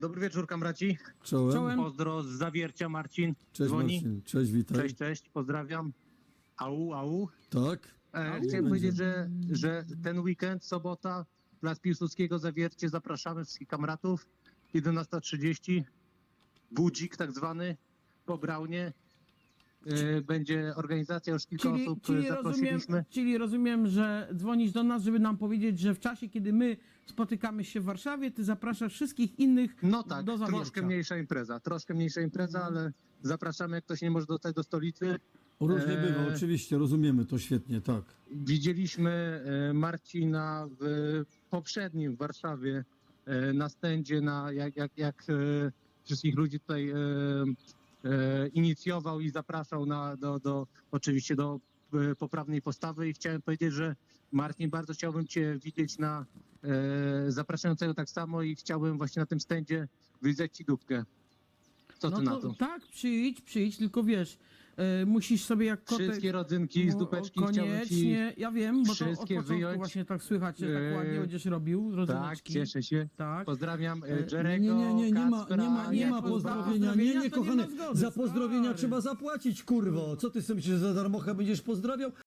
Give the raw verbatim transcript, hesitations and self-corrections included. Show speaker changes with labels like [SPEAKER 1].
[SPEAKER 1] Dobry wieczór, kamraci.
[SPEAKER 2] Czołem.
[SPEAKER 3] Czołem.
[SPEAKER 1] Pozdro z Zawiercia, Marcin.
[SPEAKER 2] Cześć
[SPEAKER 1] dzwoni.
[SPEAKER 2] Marcin, cześć, witaj.
[SPEAKER 1] Cześć, cześć, pozdrawiam. Au, au.
[SPEAKER 2] Tak?
[SPEAKER 1] E,
[SPEAKER 2] Au,
[SPEAKER 1] chciałem
[SPEAKER 2] będzie.
[SPEAKER 1] powiedzieć, że, że ten weekend, sobota, Plac Piłsudskiego, Zawiercie, zapraszamy wszystkich kamratów. jedenasta trzydzieści, budzik tak zwany, po Braunie. E, będzie organizacja, już kilka
[SPEAKER 3] Czyli,
[SPEAKER 1] osób
[SPEAKER 3] czyli,
[SPEAKER 1] zaprosiliśmy.
[SPEAKER 3] rozumiem, czyli rozumiem, że dzwonisz do nas, żeby nam powiedzieć, że w czasie, kiedy my spotykamy się w Warszawie, ty zapraszasz wszystkich innych
[SPEAKER 1] No tak,
[SPEAKER 3] do Zawiercia.
[SPEAKER 1] troszkę mniejsza impreza, troszkę mniejsza impreza, ale zapraszamy, jak ktoś nie może dostać do stolicy.
[SPEAKER 2] Różnie
[SPEAKER 1] Eee.
[SPEAKER 2] bywa, oczywiście, rozumiemy to świetnie, tak.
[SPEAKER 1] Widzieliśmy e, Marcina w poprzednim w Warszawie e, na stędzie, na, jak, jak, jak e, wszystkich ludzi tutaj e, e, inicjował i zapraszał na, do, do, oczywiście do e, poprawnej postawy i chciałem powiedzieć, że Marcin, bardzo chciałbym Cię widzieć na e, zapraszającego tak samo i chciałbym właśnie na tym stędzie wyjrzeć Ci dupkę. Co Ty
[SPEAKER 3] No
[SPEAKER 1] na
[SPEAKER 3] to
[SPEAKER 1] to?
[SPEAKER 3] tak, przyjdź, przyjdź, tylko wiesz, e, musisz sobie jak kotek...
[SPEAKER 1] Wszystkie rodzynki z
[SPEAKER 3] No,
[SPEAKER 1] dupeczki chciałbym Ci...
[SPEAKER 3] koniecznie, ja wiem, bo to od
[SPEAKER 1] wszystkie
[SPEAKER 3] początku
[SPEAKER 1] wyjąć.
[SPEAKER 3] właśnie tak słychać, że tak
[SPEAKER 1] Eee,
[SPEAKER 3] ładnie będziesz robił,
[SPEAKER 1] Tak,
[SPEAKER 3] rodzyneczki.
[SPEAKER 1] cieszę się.
[SPEAKER 3] Tak.
[SPEAKER 1] Pozdrawiam
[SPEAKER 3] E,
[SPEAKER 1] e,
[SPEAKER 2] Nie,
[SPEAKER 1] Jerego,
[SPEAKER 2] nie, nie, nie ma,
[SPEAKER 1] Kacpra,
[SPEAKER 2] nie ma, nie ma
[SPEAKER 3] nie,
[SPEAKER 2] pozdrowienia, nie, nie,
[SPEAKER 3] pozdrowienia to nie
[SPEAKER 2] kochany,
[SPEAKER 3] ma zgody,
[SPEAKER 2] za pozdrowienia
[SPEAKER 3] stary.
[SPEAKER 2] trzeba zapłacić, kurwo, co ty sobie myślisz, że za darmochę będziesz pozdrawiał?